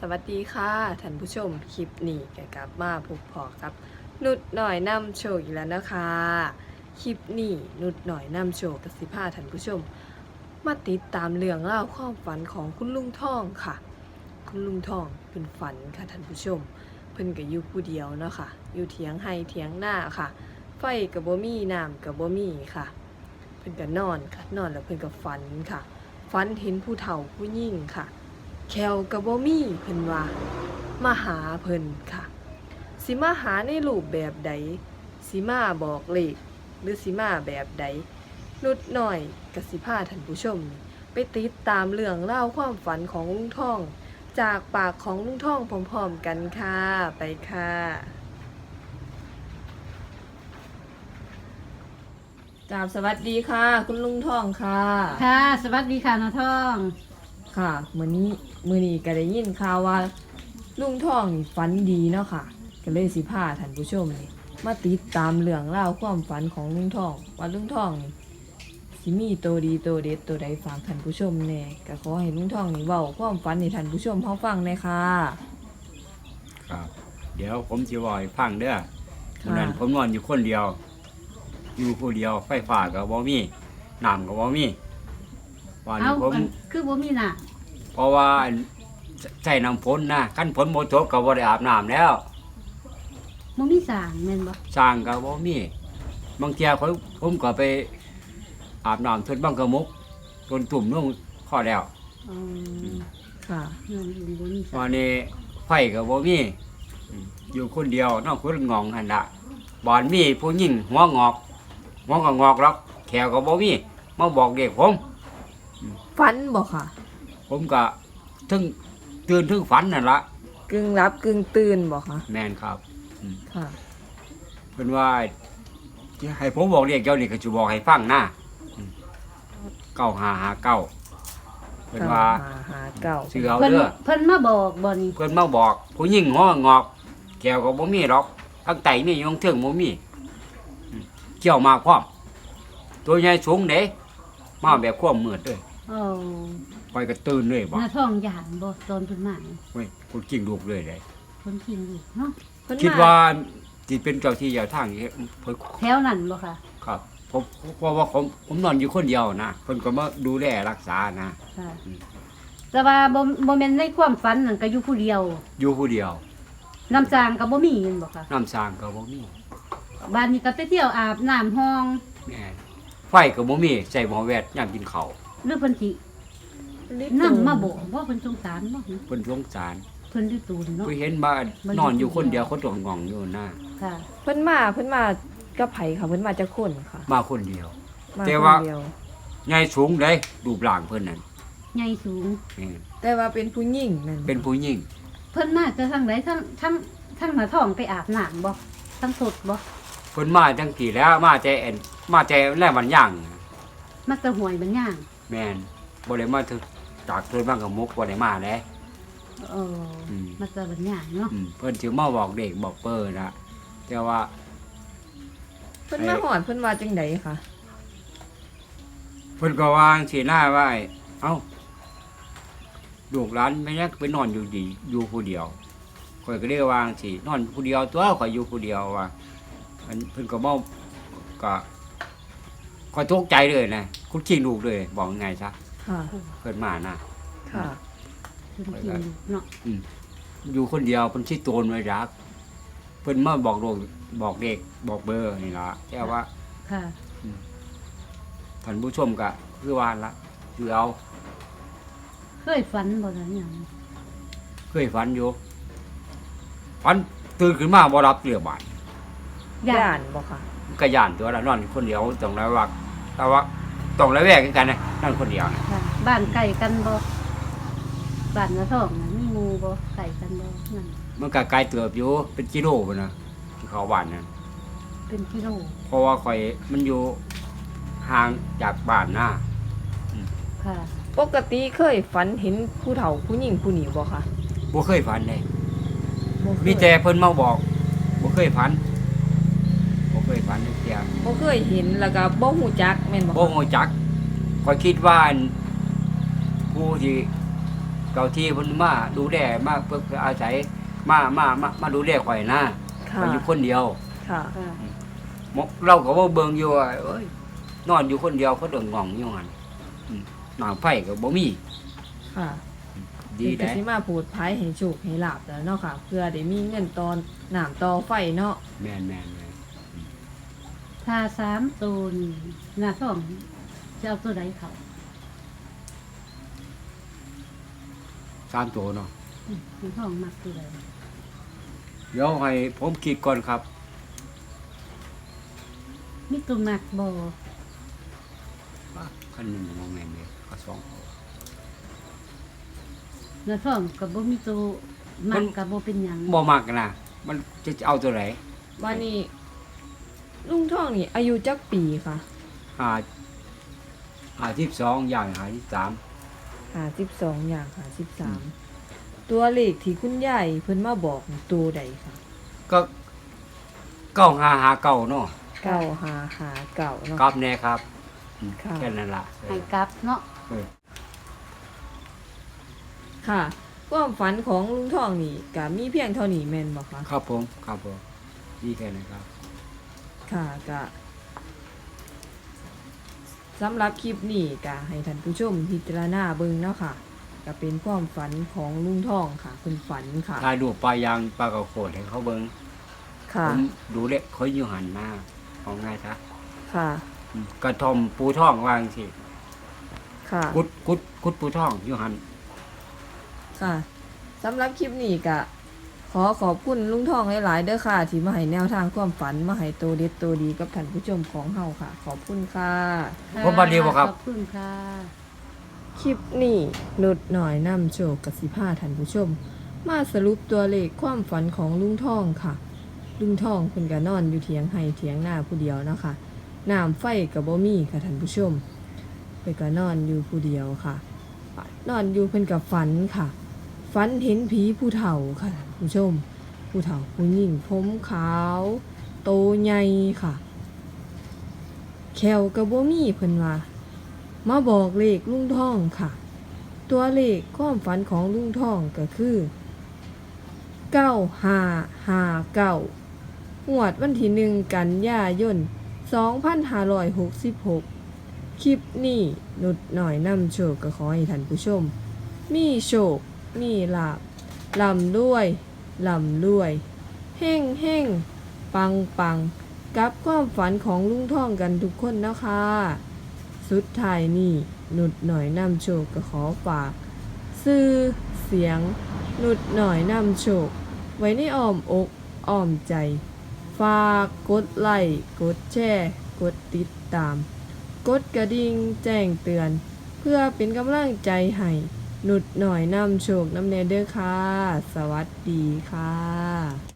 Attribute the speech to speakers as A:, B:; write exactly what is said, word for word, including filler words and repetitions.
A: วัสดีค่ะท่านผู้ชมคลิปนี้ก็กลับมาพบพอกับนุดหน่อยนำโชคอีกแล้วนะคะคลิปนี้นุดหน่อยนำโชคกับสิพาท่านผู้ชมมาติดตามเรื่องเล่าวความฝันของคุณลุงทองค่ะ คุณลุงทองเป็นฝันค่ะท่านผู้ชมเพิ่นก็อยู่ผู้เดียวเนาะค่ะอยู่เถียงไห้เถียงหน้าค่ะ ไฟกับบ่มีน้ำกับบ่มีค่ะเพิ่นก็นอนค่ะนอนแล้วเพิ่นก็ฝันค่ะฝันเห็นผู้เฒ่าผู้ยิ่งค่ะแควกับบ่มีเพิ่นว่ามาหาเพิ่นค่ะสิมาหาในรูปแบบใดสิมาบอกเลขหรือสิมาแบบใดนุดหน่อยกสิพาท่านผู้ชม ไปติดตามเรื่องเล่าวความฝันของลุงท่อง จากปากของลุงท่องพร้อมๆกันค่ะไปค่ะกราบสวัสดีค่ะ คุณลุงท่องค่ะ
B: ค่ะสวัสดีค่ะน้าทอง
A: ค่ะมื้อนี้มื้อนี้ก็ได้ยินข่าวว่าลุงท่องนี่ฝันดีเนาะค่ะก็เลยสิพาท่านผู้ชมนี่มาติดตามเรื่องเล่าวความฝันของลุงท่อง ว่าลุงท่องนี่สิมีตัวดีตัวเด็ดตัวใดฝากท่านผู้ชมแน่ก็ขอให้ลุงท่องนี่เว้าความฝันให้ท่านผู้ชมเฮาฟังแน่ค่ะ
C: ครับเดี๋ยวผมจะบอกให้ฟังเด้อ
A: ค่ะ
C: วันนั้นผมนอนอยู่คนเดียว อยู่ผู้เดียวไฟฟ้าก็บ่มีน้ำก็บ่มีวัน
B: เอา
C: นี้ผม
B: อันคือบ่มีน่ะ
C: เพราะว่าใส่น้ำฝนนะขั้นฝนบ่ตกก็บ่ได้อาบน้ำแล้ว
B: บ่มีสร้างแม่นบ่
C: สร้างก็บ่มีบางเที่ยผมผมก็ไปอาบน้ำทดบังกระมุกจนตุ่มลงพอแล้ว
B: อ๋อ
A: ค่ะ
B: เงินอื่นบ่มีสร้า
C: วั
B: ง
C: นนี้ไฟก็บ่มีอืมอยู่คนเดียวนอกคนงองหั่นล่ะบ่อนมีผู้หญิงหัวงอกหัวก็งอกหรอกแขวก็บ่มีมาบอกเด็กผม
A: ฝันบ่ค่ะ
C: ผมก็ถึงตื่นถึงฝันนั่นละ
A: กึ่งรับกึ่งตื่นบ่ค่ะ
C: แม่นครับอืม
A: ค่ะ
C: เพิ่นว่าที่ให้ผมบอกเรียกเจ้านี่ก็สิบอกให้ฟังนะอืมเก้าห้าห้าเก้าเพิ่นว่า
A: หาหาเก่า
C: ชื่อเอา
B: เพิ่น
C: เด้อ
B: เพิ่นมาบอกบ่นี่
C: เพิ่นมาบอก ผู้หญิงหัวงอกแขวก็บ่มีหรอกทั้งไตมีอยู่ทั้งเทิงบ่มีอืมเกี่ยวมากพร้อมตัวใหญ่สูงเด้มาแบบความมืดเด้อ
B: อ๋อ
C: ไปก็ตื่นเลยบ่
B: น้าทองย่านบ่ตอนเพิ่นมานี่
C: เว้ยคนจริงลูกเลยเลย
B: เพิ่นกินอยู่เนาะ
A: เพิ่น
C: คิด
A: ม
C: ว่าที่เป็นเจ้าที่เจ้าทางนี่เพิ่น
B: แถวนั้นบ่ค่ะ
C: ครับผมเพราะว่าผมผมนอนอยู่คนเดียวนะเพิ่นก็มาดูแลรักษานะ
B: ค่ะ
C: อืม
B: แต่ว่าบ่บ่แม่นในความฝันนั่นก็อยู่ผู้เดียว
C: อยู่ผู้เดียว
B: น้ำจางก็บ่มีแม่นบ่ค่ะ
C: น้ำสร้างก็บ่มี
B: บ้านนี้ก็ไปเที่ยวอาบน้ำห้อง
C: แม่นไฟก็บ่มีใส่หม้อแวดยามกินข้าว
B: หรือเพิ่นสินั่งมาบอกว่าเพิ่นสงสารบ่
C: เพิ่นสงสาร
B: เพิ่นได้ตูนเนาะ
C: เพิ่นเห็นมานอนอยู่คนเดียวเขาต้องงองอยู่นะ
B: ค่ะ
A: เพิ่นมาเพิ่นมากับไผค่ะเพิ่นมาจากคนค่ะ
C: มาคนเดียว
A: มา
C: แต่
A: คน
C: ว่า
A: เดียว
C: ใหญ่สูงเด้รูปร่างเพิ่นนั่น
B: ใหญ่สูง
C: แม่น
A: แต่ว่าเป็นผู้หญิงนั่น
C: เป็นผู้หญิง
B: เพิ่นมาจะทางไหนทั้งทั้งทั้งหน้าท้องไปอาบน้ำบ่ทั้งสดบ่
C: เพิ่นมาจังกี่แล้วมาแต่แอนมาแต่แลมันย่าง
B: มาแตะหวยมันย่าง
C: แม่นบ่ได้มาถึงจากเพิ่นบ้างกับมุกบ่ได้มาแล้ว
B: เอออ
C: ม
B: มาแตะมันย่างเนาะ
C: อืมเพิ่นสิมาบอกเด็กบอกเปิ้นนะแต่ว่า
A: เพิ่นมาหอดเพิ่นว่าจังไดค่ะ
C: เพิ่นก็วางสีหน้าไว้เอ้าลูกหลานไม่ยักไปนอนอยู่ดีอยู่ผู้เดียวข่อยก็ได้วางสินอนผู้เดียวตัวข่อยอยู่ผู้เดียวว่าอันเพิ่นก็บ่ก็ข่อยตกใจเลยนะคุณขี้ลูกเลยบอกยังไงซะ
A: ค่ะ
C: เพิ่นมานะ
A: ค่ะ
B: เพิ่นกินอยู่เนาะ
C: อืมอยู่คนเดียวเพิ่นสิโตนไว้รักเพิ่นมาบอกลูกบอกเด็กบอกเบอร์นี่ล่ะแต่ว่า
B: ค่ะ
C: ท่านผู้ชมก็คือว่าละคือเอา
B: เคยฝันบ่ล่ะหยัง
C: เคยฝันอยู่ฝันตื่นขึ้นมาบ่รับเรือ บาด
A: ย่านบ่ค่ะ
C: มันก็ย่านตัวละนอนคนเดียวต้องระวังแต่ว่าต้องระแวงกันนะนอนคนเดียวนะ
B: ค่ะ บ้านใกล้กันบ่บ้านหน้าท้องน่ะมีหมู่บ่ใกล้กันบ่นั่น
C: มันก็ไกลเติบอยู่เป็นกิโลพุ่นนะที่เขาบ้านนั้น
B: เป็นกิโล
C: เพราะว่าข่อยมันอยู่ห่างจากบ้านนะ
B: ค่ะ
A: ปกติเคยฝันเห็นผู้เฒ่าผู้หญิงผู้นี้บ่ค่ะ
C: บ่เคยฝันเลย
A: บ่เคย
C: มีแต่เพิ่นมาบอกบ่เคยฝันบ่เคยฝันจักเที่ย
A: บ่เคยเห็นแล้วก็บ่ฮู้จักแม่นบ่
C: บ่
A: คะ
C: ฮู้จักข่อยคิดว่าอันผู้ที่เจ้าที่เพิ่นมาดูแลมาเพื่อเพื่ออาศัยมามามามาดูแลข่อยนะ
A: ค่ะ
C: ข่อยอยู่คนเดียว
A: ค่ะ
B: ค่ะ
C: หมอเราก็บ่เบิ่งอยู่ว่าเอ้ยนอนอยู่คนเดียวเขาเดินง่องอยู่หั่นอืมน้ำไฟก็บ่มี
A: ค่ะ
C: ดี
A: เพิ่นก็
C: ได้
A: สิมาพูดไผให้โชคให้ลาบแล้วเนาะค่ะ เพื่อได้มีเงินตอนน้ำต่อไฟเนาะ
C: แม่นแม่นแม่น
B: ถ้าสามตัวนี่หน้าท้องจะเอาตัวใดเขา
C: สามตัวเนาะ
B: อืมหน้าท้องมักตัวใด
C: เดี๋ยวให้ผมคิดก่อนครับ
B: มีตัวมักบ่
C: ว่าคันหนึงบ่แม่นเด้ก็สอง
B: หน้าท้องก็บ่มีตัวมักก็บ่เป็นหยัง
C: บ่มักนะมันจะเอาตัวไหน
A: วันนี้ลุงท่องนี่อายุจักปีค่ะ
C: ห้าห้าสิบสองอย่างห้าสิบสาม
A: ห้าสิบสองอย่างห้าสิบสามตัวเลขที่คุณยายเพิ่นมาบอกนี่ตัวใดค่ะ
C: ก็เก้าห้าห้าเก้าเนาะ
A: เก้าห้าห้าเก้าเนาะ
C: กลับแน่ครับอืม
A: ค่ะ
C: แค่นั้นล่ะเอ
B: ให้
C: อก
B: ลับเนาะ
C: เออ
A: ค่ะความฝันของลุงท่องนี่ก็มีเพียงเท่านี้แม่นบ่คะ
C: ครับผมครับผมดีแค่นั้นครับ
A: ค่ะก็สำหรับคลิปนี้ก็ให้ท่านผู้ชมพิจารณาเบิ่งเนาะค่ะก็เป็นความฝันของลุงท่องค่ะเพิ่นฝันค่ะ
C: ถ่ายรูปปลายางปลากระโขดให้เขาเบิ่ง
A: ค่ะ
C: ผมดูเล็กเขาอยู่หันมาเอาง่ายซะ
A: ค่ะ
C: อืมกระทอมปูท่องวางสิ
A: ค่ะ
C: กุดกุดกุดปูท่องอยู่หัน
A: ค่ะสำหรับคลิปนี้ก็ขอขอบคุณลุงทองหลายๆเด้อค่ะ ที่มาให้แนวทางความฝันมาให้โตวเด็ดโตวดีกับท่านผู้ชมของเฮาค่ะ ขอบคุณค่ะ
C: ผมบัดดีบ่ครับ
B: ขอบคุณค่ะ
A: คลิปนี้นุดหน่อยนำโชคกับสิพาท่านผู้ชม มาสรุปตัวเลขความฝันของลุงทองค่ะ ลุงทองเพิ่นก็นอนอยู่เถียงไห้เถียงหน้าผู้เดียวเนาะค่ะน้ำไฟก็บ่มีค่ะท่านผู้ชมเพิ่นก็นอนอยู่ผู้เดียวค่ะ นอนอยู่เพิ่นก็ฝันค่ะ ฝันเห็นผีผู้เฒ่าค่ะท่านผู้ชม ผู้เฒ่าผู้หญิงผมขาว โตใหญ่ค่ะ แขวกระบ่มีเพิ่นว่ามาบอกเลขลุงท่องค่ะ ตัวเลขความฝันของลุงท่องก็คือเก้าห้าห้าเก้างวดวันที่หนึ่งกันยายนสองพันห้าร้อยหกสิบหกคลิปนี้นุดหน่อยนำโชคก็ขอให้ท่านผู้ชม มีโชค มีลาบลำด้วยลำด้วยเฮ่งเฮ่งปังปังกับความฝันของลุงท่องกันทุกคนนะคะ สุดท้ายนี่นุดหน่อยนำโชคก็ขอฝาก ซื่อเสียง นุดหน่อยนำโชค ไว้ในอ้อมอกอ้อมใจ ฝากกดไลค์กดแชร์กดติดตาม กดกระดิ่งแจ้งเตือน เพื่อเป็นกำลังใจให้นุดหน่อยนำโชคนำเนเด้อค่ะ สวัสดีค่ะ